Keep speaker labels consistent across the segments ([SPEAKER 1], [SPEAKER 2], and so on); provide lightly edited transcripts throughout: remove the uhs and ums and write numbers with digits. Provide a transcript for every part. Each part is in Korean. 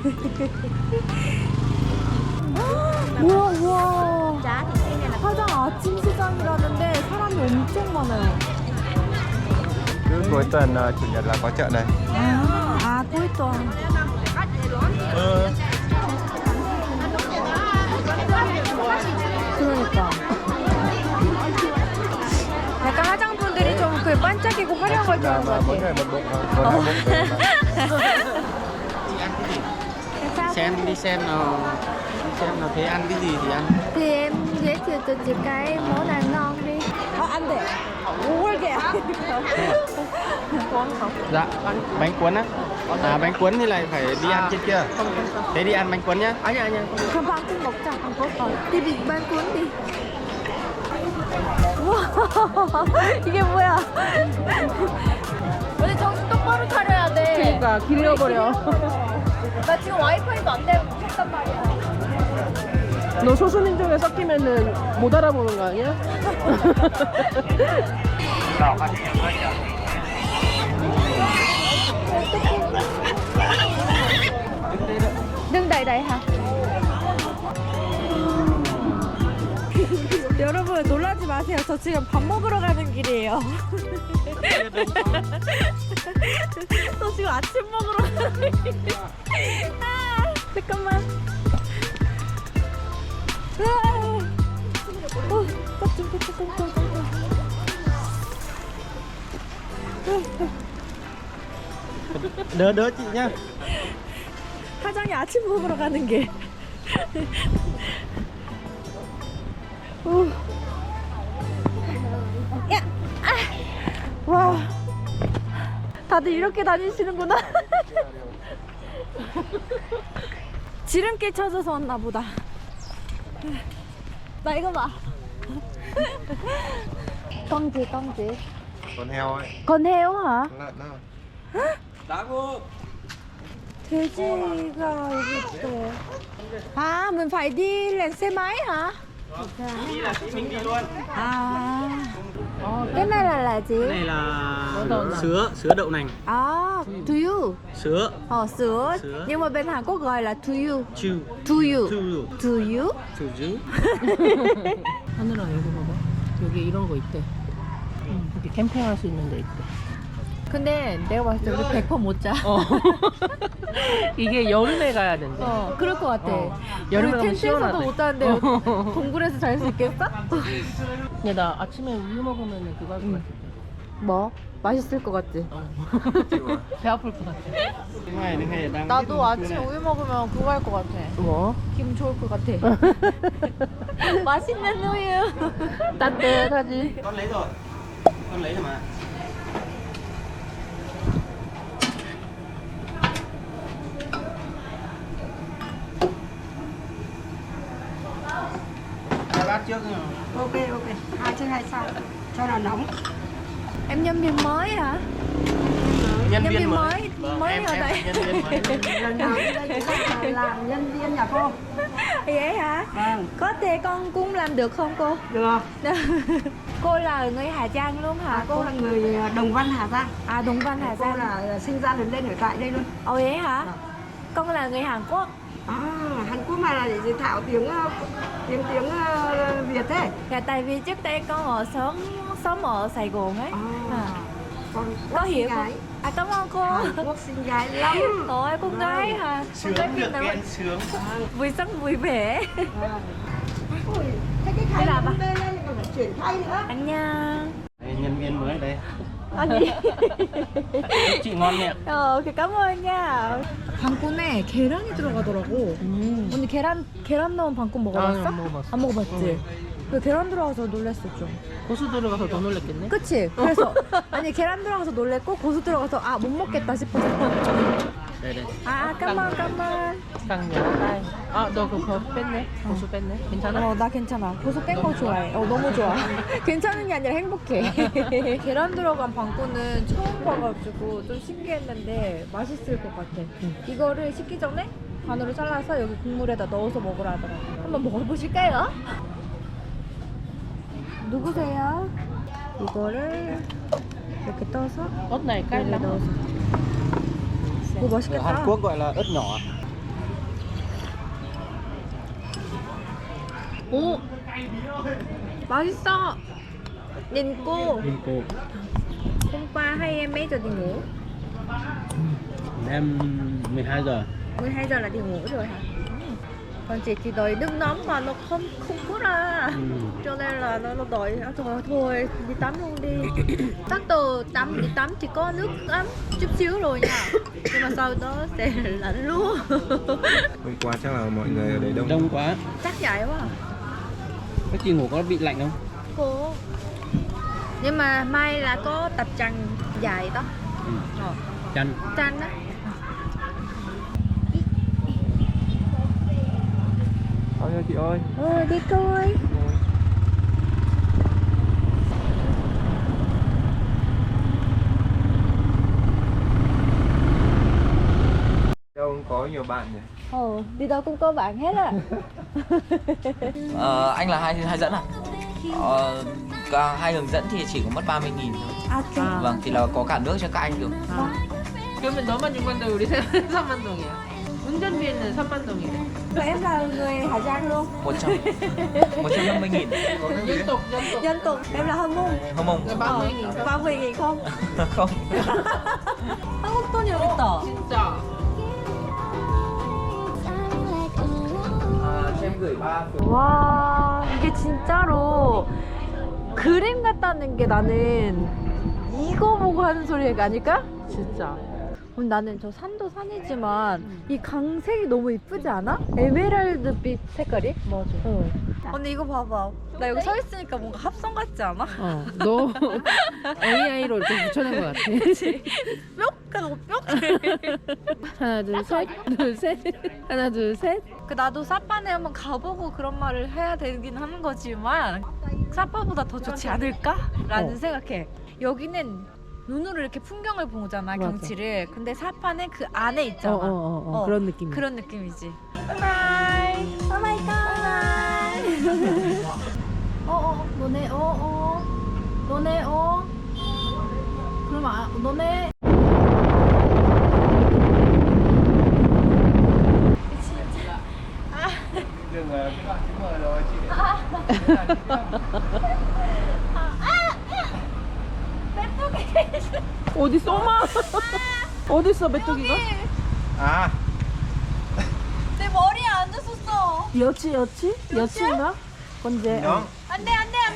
[SPEAKER 1] 우와 우와. 화장 아침 시장이라는데 사람이 엄청 많아요.
[SPEAKER 2] Cứ cuối tuần chủ nhật là có chợ này.
[SPEAKER 1] 아 cuối tuần. 그러니까. 약간 화장품들이 좀 그 반짝이고 화려한 걸 좋아하는 것 같아.
[SPEAKER 2] Mỗi người một bộ, một hai bộ về mà.
[SPEAKER 3] Xem đi xem nào thấy ăn cái gì thì ăn.
[SPEAKER 1] Thì em giới thiệu cho chị cái món nào ngon đi. Ăn để. Ủa kìa. Cuốn không?
[SPEAKER 3] Dạ, bánh cuốn á. À bánh cuốn thì lại phải đi ăn trên kia. Thế đi ăn bánh cuốn nhá.
[SPEAKER 1] 아니야. 그럼 방금 먹자. đi bánh cuốn đi. 우와. 이게 뭐야? 근데 정신 똑바로 차려야 돼.
[SPEAKER 4] 그러니까 길려버려.
[SPEAKER 1] 나 지금 와이파이도 안 되고 켰단 말이야.
[SPEAKER 4] 너 소수민족에 섞이면은 못 알아보는 거 아니야?
[SPEAKER 1] đứng đây đây hả? 여러분 놀라지 마세요. 저 지금 밥 먹으러 가는 길이에요. 저 지금 아침 먹으러 가는 길이에요. 아, 잠깐만.
[SPEAKER 3] Đỡ chị nhá.
[SPEAKER 1] 사장이 아침 먹으러 가는 길. 야! 아! 와, 다들 이렇게 다니시는구나. 지름길 찾아서 왔나 보다. 나 이거 봐. con gì?
[SPEAKER 2] Con heo ấy.
[SPEAKER 1] con heo hả?
[SPEAKER 2] Lợn đâu?
[SPEAKER 1] 돼지가 여기 있어. 아, mình phải đi lên xe máy hả?
[SPEAKER 3] Đi là chị mình đi luôn.
[SPEAKER 1] À, cái này là gì?
[SPEAKER 3] Cái này là sứa đậu nành.
[SPEAKER 1] À, to you.
[SPEAKER 3] Sứa.
[SPEAKER 1] sữa.
[SPEAKER 3] Sữa.
[SPEAKER 1] Nhưng mà bên Hàn Quốc gọi là to you.
[SPEAKER 3] Chu.
[SPEAKER 1] To you.
[SPEAKER 3] chu.
[SPEAKER 1] To you?
[SPEAKER 3] 주주.
[SPEAKER 4] 하늘아 여기 봐봐. 여기 이런 거 있대. 이렇게 캠핑할 수 있는 데 있대.
[SPEAKER 1] 근데 내가 봤을 때 우리 100% 못 자.
[SPEAKER 4] 이게 여름에 가야 된대.
[SPEAKER 1] 그럴 것 같아.
[SPEAKER 4] 여름에
[SPEAKER 1] 우리
[SPEAKER 4] 가면
[SPEAKER 1] 텐트에서도
[SPEAKER 4] 시원하대.
[SPEAKER 1] 못 자는데 동굴에서 잘 수 있겠어?
[SPEAKER 4] 근데 나 아침에 우유 먹으면 그거 할 것 같아.
[SPEAKER 1] 뭐? 맛있을 것 같지?
[SPEAKER 4] 배 아플 것 같아.
[SPEAKER 3] Này này này đang.
[SPEAKER 1] 나도 아침에 우유 먹으면 그거 할 것 같아.
[SPEAKER 4] 뭐?
[SPEAKER 1] 기분 좋을 것 같아. 맛있는 우유.
[SPEAKER 4] 따뜻하지?
[SPEAKER 3] Con lấy rồi. Con lấy rồi mà. Hai bát trước rồi.
[SPEAKER 5] Ok, hai trên hai sau cho nó nóng.
[SPEAKER 1] Em nhân viên mới hả?
[SPEAKER 3] Nhân
[SPEAKER 1] Nhân
[SPEAKER 3] viên
[SPEAKER 1] viên
[SPEAKER 3] mới.
[SPEAKER 1] mới
[SPEAKER 3] Em
[SPEAKER 1] ở đây.
[SPEAKER 3] nhân viên mới.
[SPEAKER 5] Lần nào đến đây cũng là làm nhân viên nhà cô.
[SPEAKER 1] Vậy hả?
[SPEAKER 5] Vâng,
[SPEAKER 1] Có thể con cũng làm được không cô?
[SPEAKER 5] được.
[SPEAKER 1] Cô là người Hà Giang luôn hả?
[SPEAKER 5] Cô là người Đồng Văn Hà Giang.
[SPEAKER 1] À, Đồng Văn Hà
[SPEAKER 5] Cô
[SPEAKER 1] Giang.
[SPEAKER 5] là sinh ra lớn lên ở tại đây luôn.
[SPEAKER 1] Ồ vậy hả?
[SPEAKER 5] Vâng.
[SPEAKER 1] Con là người Hàn Quốc.
[SPEAKER 5] À, Hàn Quốc mà là để thạo tiếng Việt thế.
[SPEAKER 1] Dạ, tại vì trước đây con sống ở Sài Gòn ấy. À.
[SPEAKER 5] Con
[SPEAKER 1] Có hiểu
[SPEAKER 5] gái.
[SPEAKER 1] không? À, cảm ơn cô.
[SPEAKER 5] Hàn Quốc xinh gái lắm.
[SPEAKER 1] Ôi, con gái hả? Con gái
[SPEAKER 3] Sướng
[SPEAKER 1] Việt
[SPEAKER 3] được
[SPEAKER 1] Nam.
[SPEAKER 3] khen sướng.
[SPEAKER 1] Vui sống vui vẻ.
[SPEAKER 5] Ôi, thế cái khay
[SPEAKER 1] Đây là
[SPEAKER 5] nó bê lên còn phải chuyển khay nữa.
[SPEAKER 1] Anh nha.
[SPEAKER 3] Đây, nhân viên mới đây.
[SPEAKER 1] 아니.
[SPEAKER 3] Chị ngon miệng.
[SPEAKER 1] 오케이, 까먹었냐. 방꾼에 계란이 들어가더라고. 언니 계란 넣은 방꾼 먹어봤어?
[SPEAKER 4] 안 먹어봤어.
[SPEAKER 1] 안 먹어봤지? 그 계란 들어가서 놀랬어 좀.
[SPEAKER 4] 고수 들어가서 더 놀랬겠네.
[SPEAKER 1] 그치? 그래서 아니 계란 들어가서 놀랬고 고수 들어가서 아 못 먹겠다 싶었어.
[SPEAKER 3] Đây đây.
[SPEAKER 1] 아 까만.
[SPEAKER 4] 깡년 딸. 아, 너 그거 뺐네? 고수 뺐네? 괜찮아?
[SPEAKER 1] 나 괜찮아. 고수 뺀 거 좋아해. 너무 좋아. 괜찮은 게 아니라 행복해. 계란 들어간 방꾼은 처음 봐가지고 좀 신기했는데 맛있을 것 같아. 이거를 식기 전에 반으로 잘라서 여기 국물에다 넣어서 먹으라 하더라고요. 한번 먹어보실까요? 누구세요? 이거를 이렇게 떠서
[SPEAKER 4] ớt này cay
[SPEAKER 1] 여기
[SPEAKER 4] lắm.
[SPEAKER 1] 넣어서. 오
[SPEAKER 3] Ở
[SPEAKER 1] 맛있겠다.
[SPEAKER 3] Hàn Quốc gọi là ớt nhỏ.
[SPEAKER 1] 오 맛있어. nhìn cô
[SPEAKER 3] Nhìn cô.
[SPEAKER 1] hôm qua hay em mấy giờ thì ngủ?
[SPEAKER 3] Em 12 giờ.
[SPEAKER 1] 12 giờ là đi ngủ rồi hả? Còn chị thì đợi nước nóng mà nó không có ra. Cho nên là nó đợi trời ơi, thôi đi tắm luôn đi. Chắc từ đi tắm chỉ có nước ấm chút xíu rồi nha. Nhưng mà sau đó sẽ lạnh luôn.
[SPEAKER 2] Hôm qua chắc là mọi người ở đây đông.
[SPEAKER 3] Đông quá.
[SPEAKER 1] Chắc vậy quá.
[SPEAKER 3] Các chị ngủ có bị lạnh không?
[SPEAKER 1] Cô. Nhưng mà may là có tập chăn dài đó.
[SPEAKER 3] Chăn.
[SPEAKER 1] Chăn đó.
[SPEAKER 2] Thôi nha chị ơi.
[SPEAKER 1] Đi coi.
[SPEAKER 2] Đâu có nhiều bạn nhỉ?
[SPEAKER 1] Đi đâu cũng có bạn hết à.
[SPEAKER 6] Anh là hai dẫn à? Cả hai hướng dẫn thì chỉ có mất 30.000 thôi. Vâng, thì là có cả nước cho các anh được.
[SPEAKER 4] 그러면 너만 6만 동, 우리 3만 동이야. 운전비는 3만 동이래.
[SPEAKER 1] Và em là người Hà Giang luôn.
[SPEAKER 6] 150.000.
[SPEAKER 4] 연독, 연독.
[SPEAKER 1] Dân tộc em là Hân Mông.
[SPEAKER 6] Không mong.
[SPEAKER 4] 30.000.
[SPEAKER 1] 30.000 không?
[SPEAKER 6] Không.
[SPEAKER 1] 한국 돈이 여기 있다.
[SPEAKER 4] 진짜.
[SPEAKER 6] Cho em gửi 3
[SPEAKER 1] 와 이게 진짜로 그림 같다는 게 나는 이거 보고 하는 소리가 아닐까?
[SPEAKER 4] 진짜.
[SPEAKER 1] 나는 저 산도 산이지만 이 강색이 너무 이쁘지 않아? 에메랄드빛 색깔이? 맞아. 언니 이거 봐봐. 나 여기 서 있으니까 뭔가 합성 같지 않아?
[SPEAKER 4] 너 AI로 이렇게 붙여낸 것 같아.
[SPEAKER 1] 그치? 뿅 하고 뿅.
[SPEAKER 4] 하나, 둘, 셋. 둘, 셋. 하나, 둘, 셋.
[SPEAKER 1] 그 나도 사파네 한번 가보고 그런 말을 해야 되긴 하는 거지만 사파보다 더 좋지 않을까라는 생각해. 여기는 눈으로 이렇게 풍경을 보잖아,
[SPEAKER 4] 맞아.
[SPEAKER 1] 경치를. 근데 사파는 그 안에 있잖아.
[SPEAKER 4] 그런 느낌.
[SPEAKER 1] 그런 느낌이지. 바이바이. 오마이갓. 너네 너네 그럼 너네
[SPEAKER 2] Dừng ở cái đoạn chữ M rồi chị.
[SPEAKER 4] 어딨어? 엄마! 어딨어, 메뚜기가?
[SPEAKER 2] À,
[SPEAKER 1] 내 머리에 앉았었어.
[SPEAKER 4] 여치인가? 건재.
[SPEAKER 2] nó.
[SPEAKER 1] 안돼.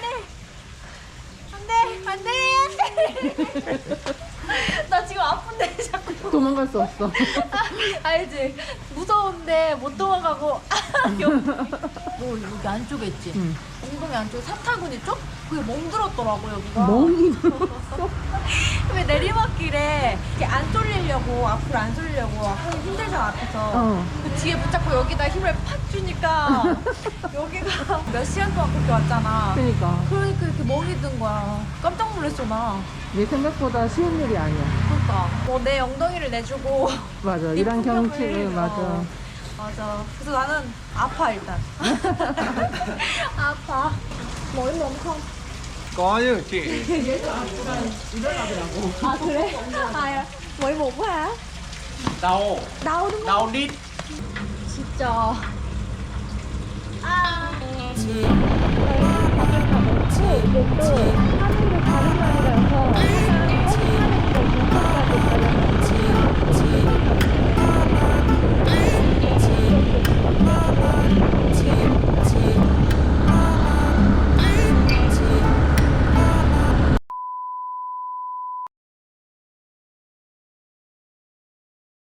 [SPEAKER 1] 나 지금 아픈데 자꾸.
[SPEAKER 4] 도망갈 수 없어.
[SPEAKER 1] 알지? 무서운데 못 도망가고. 여기. 너 여기 안쪽에 있지?
[SPEAKER 4] 응.
[SPEAKER 1] 엉덩이 안쪽에 사타구니 쪽? 그게 멍들었더라고 여기가.
[SPEAKER 4] 멍이
[SPEAKER 1] 왜 내리막길에 이렇게 안 쏠리려고 앞으로 안 쏠리려고 하기 힘들잖아 앞에서. 그 뒤에 붙잡고 여기다 힘을 팍 주니까 여기가 몇 시간 동안 그렇게 왔잖아.
[SPEAKER 4] 그러니까.
[SPEAKER 1] 그러니까 이렇게 멍이 든 거야. 깜짝 놀랐어 나.
[SPEAKER 4] 내 생각보다 쉬운 일이 아니야.
[SPEAKER 1] 그러니까 뭐 내 엉덩이를 내주고
[SPEAKER 4] 맞아.
[SPEAKER 1] 네
[SPEAKER 4] 이런
[SPEAKER 1] 풍경을,
[SPEAKER 4] 경치를 맞아.
[SPEAKER 1] 맞아. 그래서 나는 아파 일단. 아파. 머리 너무 커.
[SPEAKER 2] Có chứ chị.
[SPEAKER 1] 아 그래? 아 머리 먹고 해?
[SPEAKER 3] Đau.
[SPEAKER 1] 나오는 거
[SPEAKER 3] Đau đít.
[SPEAKER 1] 진짜. 아. 이게 또 하늘이 다른 날이라서 항상 험하니까